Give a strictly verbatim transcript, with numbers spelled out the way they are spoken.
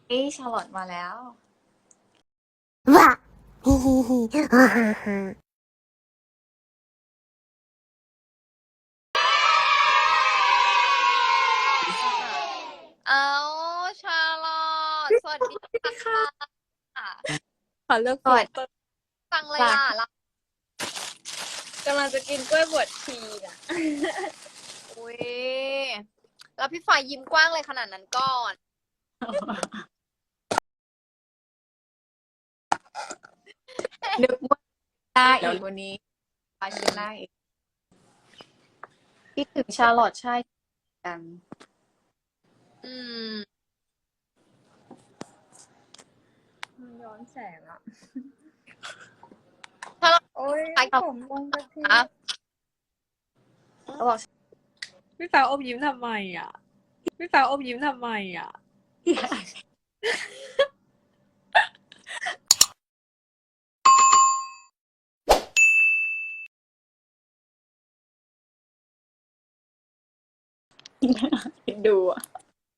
เอ้ยชาร์ลอตมาแล้วわひひひはははเอาชาลอตสวัสดีค่ะขอเลือกสวัสดีฟังเลยล่ะเรากำลังจะกินกล้วยบวชชีน่ะอุ้ยแล้วพี่ฝ่ายยิ้มกว้างเลยขนาดนั้นก่อนนึกว่าหน้าอีกวันนี้ฟาชิน่าอีกคิดถึงชาร์ลอตใช่กันอืมย้อนแสงอ่ะชาลอตโอ้ยใครตอบผมมองกะทิครับเขาบอกพี่ฟ้าอมยิ้มทำไมอ่ะ พี่ฟ้าอมยิ้มทำไมอ่ะดูอ่ะ